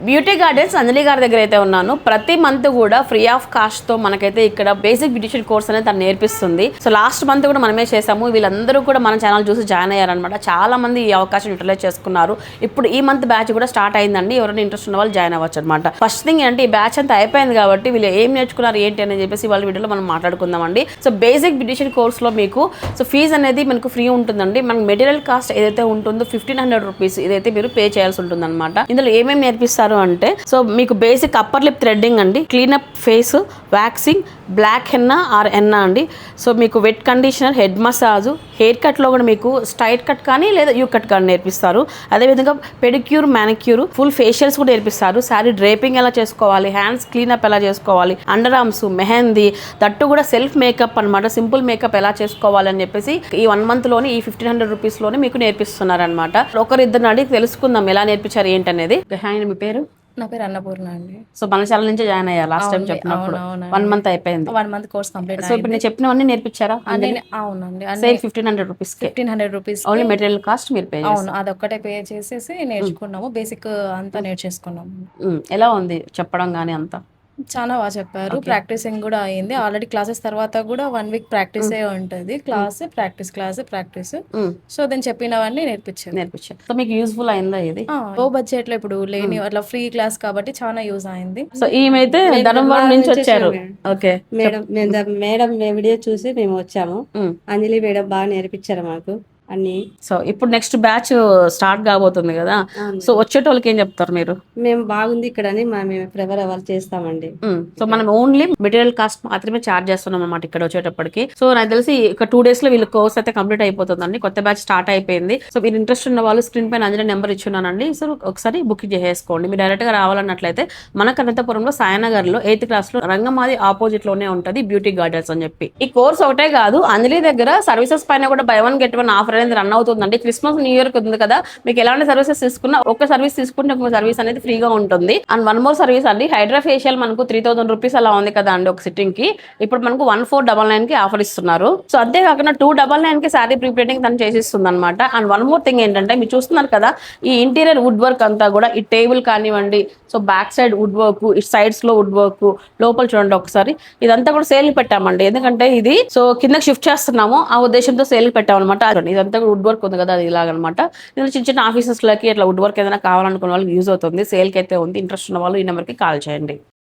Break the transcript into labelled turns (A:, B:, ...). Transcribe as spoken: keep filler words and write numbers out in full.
A: Beauty gardens అంజలి గారి దగ్గర అయితే ఉన్నాను. ప్రతి మంత్ కూడా ఫ్రీ ఆఫ్ కాస్ట్ తో మనకైతే ఇక్కడ బేసిక్ బ్యూటిషియన్ కోర్స్ అనేది తను నేర్పిస్తుంది. సో లాస్ట్ మంత్ కూడా మనమే చేసాము. వీళ్ళందరూ కూడా మన ఛానల్ చూసి జాయిన్ అయ్యారనమాట. చాలా మంది ఈ అవకాశం యూటిలైజ్ చేసుకున్నారు. ఇప్పుడు ఈ మంత్ బ్యాచ్ కూడా స్టార్ట్ అయిందండి. ఎవరైనా ఇంట్రెస్ట్ ఉన్న వాళ్ళు జాయిన్ అవ్వచ్చు అనమాట. ఫస్ట్ థింగ్ ఏంటంటే ఈ బ్యాచ్ అంతా అయిపోయింది కాబట్టి వీళ్ళు ఏం నేర్చుకున్నారు ఏంటి అని చెప్పేసి వాళ్ళ వీడియోలో మనం మాట్లాడుకుందామండి. సో బేసిక్ బ్యూటిషియన్ కోర్స్ లో మీకు సో ఫీజు అనేది మనకు ఫ్రీ ఉంటుందండి. మనకు మెటీరియల్ కాస్ట్ ఏదైతే ఉంటుందో ఫిఫ్టీన్ హండ్రెడ్ రూపీస్ ఇదైతే మీరు పే చేయాల్సి ఉంటుంది అనమాట. ఇందులో ఏమేమి నేర్పిస్తారు అంటే సో మీకు బేసిక్ అప్పర్ లిప్ థ్రెడ్డింగ్ అండి, cleanup face, waxing, black henna or henna అండి. సో మీకు wet conditioner, head massage, hair కట్లో కూడా మీకు స్ట్రైట్ కట్ కానీ లేదా యూ కట్ కానీ నేర్పిస్తారు. అదేవిధంగా పెడిక్యూర్, మ్యానిక్యూర్, ఫుల్ ఫేషియల్స్ కూడా నేర్పిస్తారు. శారీ డ్రేపింగ్ ఎలా చేసుకోవాలి, హ్యాండ్స్ క్లీనప్ ఎలా చేసుకోవాలి, అండర్ ఆర్మ్స్, మెహందీ, దట్టు కూడా సెల్ఫ్ మేకప్ అనమాట. సింపుల్ మేకప్ ఎలా చేసుకోవాలి అని చెప్పేసి ఈ వన్ మంత్ లోనే ఈ ఫిఫ్టీన్ హండ్రెడ్ రూపీస్ లోనే మీకు నేర్పిస్తున్నారు అనమాట. ఒకరిద్దరిని అడిగి తెలుసుకుందాం ఎలా నేర్పించారు ఏంటనేది. మీ పేరు?
B: నా పేరు అన్నపూర్ణ అండి.
A: సో మన ఛానల్ నుంచి జాయిన్ అయ్యారు లాస్ట్ టైం చెప్పినప్పుడు. వన్ మంత్ అయిపోయింది.
B: One month course complete.
A: So ఇప్పుడు నేను చెప్పినవన్నీ నేర్పించారా?
B: అవునండి.
A: Same fifteen hundred rupees
B: fifteen hundred rupees
A: only material cost మీరు పే.
B: అవును, అదొక్కటే పే చేసేసి నేర్చుకున్నాము. బేసిక్ అంతా నేర్చేసుకున్నాము.
A: ఎలా ఉంది చెప్పడం కానీ అంతా?
B: చాలా బాగా చెప్పారు. ప్రాక్టీసింగ్ కూడా అయింది ఆల్రెడీ. క్లాసెస్ తర్వాత కూడా వన్ వీక్ ప్రాక్టీస్ ఉంటుంది. Class practice, class practice. So దాన్ని చెప్పినవన్నీ నేర్పించారు
A: నేర్పించారు సో మీకు యూస్ఫుల్ అయిందా ఇది?
B: లో బడ్జెట్ లో ఇప్పుడు లేని అట్లా ఫ్రీ క్లాస్ కాబట్టి చాలా యూజ్ అయింది.
A: సో ఈమెయితే ధర్మవరం నుంచి వచ్చారు. ఓకే
C: మేడం, మేము మేడం వీడియో చూసి మేము వచ్చాము. అంజలి మేడం బాగా నేర్పించారు మాకు అన్ని.
A: సో ఇప్పుడు నెక్స్ట్ బ్యాచ్ స్టార్ట్ కాబోతుంది కదా, సో వచ్చేటోళ్ళకి ఏం చెప్తారు మీరు?
C: మేము బాగుంది ఇక్కడ అని మేము ప్రిఫర్ అవ్వాలి చేస్తామండి.
A: సో మనం ఓన్లీ మెటీరియల్ కాస్ట్ మాత్రమే చార్జ్ చేస్తున్నాం అనమాట ఇక్కడ వచ్చేటప్పటికి. సో నాకు తెలిసి ఒక టూ డేస్ లో వీళ్ళ కోర్స్ అయితే కంప్లీట్ అయిపోతుందండి. కొత్త బ్యాచ్ స్టార్ట్ అయిపోయింది. సో మీరు ఇంట్రెస్ట్ ఉన్న వాళ్ళు స్క్రీన్ పైన అంజలి నెంబర్ ఇచ్చున్నానండి. సో ఒకసారి బుకింగ్ చేసేసుకోండి. మీరు డైరెక్ట్ గా రావాలన్నట్లయితే మన అనంతపురంలో సాయనగర్ లో ఎయిత్ క్లాస్ లో రంగమాది ఆపోజిట్ లోనే ఉంటది బ్యూటీ గార్డెన్స్ అని చెప్పి. ఈ కోర్స్ ఒకటే కాదు, అంజలి దగ్గర సర్వీసెస్ పైన కూడా buy one get one offer అనేది రన్ అవుతుందండి. క్రిస్మస్ న్యూ ఇయర్ ఉంది కదా, మీకు ఎలాంటి సర్వీసెస్ తీసుకున్నా ఒక సర్వీస్ తీసుకుంటే ఒక సర్వీస్ అనేది ఫ్రీగా ఉంటుంది. అండ్ వన్ మోర్ సర్వీస్ అండి, హైడ్రా ఫేషియల్ మనకు త్రీ థౌసండ్ రూపీస్ అలా ఉంది కదా అండి ఒక సిట్టింగ్ కి. ఇప్పుడు మనకు వన్ ఫోర్ డబల్ నైన్ కి ఆఫర్ ఇస్తున్నారు. సో అంతేకాకుండా టూ డబల్ నైన్ కి శారీ ప్రీ ప్రింటింగ్ తను చేసిస్తుంది అనమాట. అండ్ వన్ మోర్ థింగ్ ఏంటంటే మీరు చూస్తున్నారు కదా ఈ ఇంటీరియర్ వుడ్ వర్క్ అంతా కూడా, ఈ టేబుల్ కానివ్వండి, so back side wood work, ఈ సైడ్స్ లో వుడ్ వర్క్, లోపల చూడండి ఒకసారి, ఇదంతా కూడా సేల్ పెట్టామండి. ఎందుకంటే ఇది సో కిందకి షిఫ్ట్ చేస్తున్నాము ఆ ఉద్దేశంతో సేల్ పెట్టామన్నమాట. ఇదంతా కూడా వుడ్ వర్క్ ఉంది కదా, అది ఇలాగనమాట. ఇందులో చిన్న చిన్న ఆఫీసెస్ లకి ఇట్లా వుడ్ వర్క్ ఏదైనా కావాలనుకున్న వాళ్ళకి యూజ్ అవుతుంది. సేల్ కి అయితే ఉంది. ఇంట్రెస్ట్ ఉన్న వాళ్ళు ఈ నెంబర్ కి కాల్ చేయండి.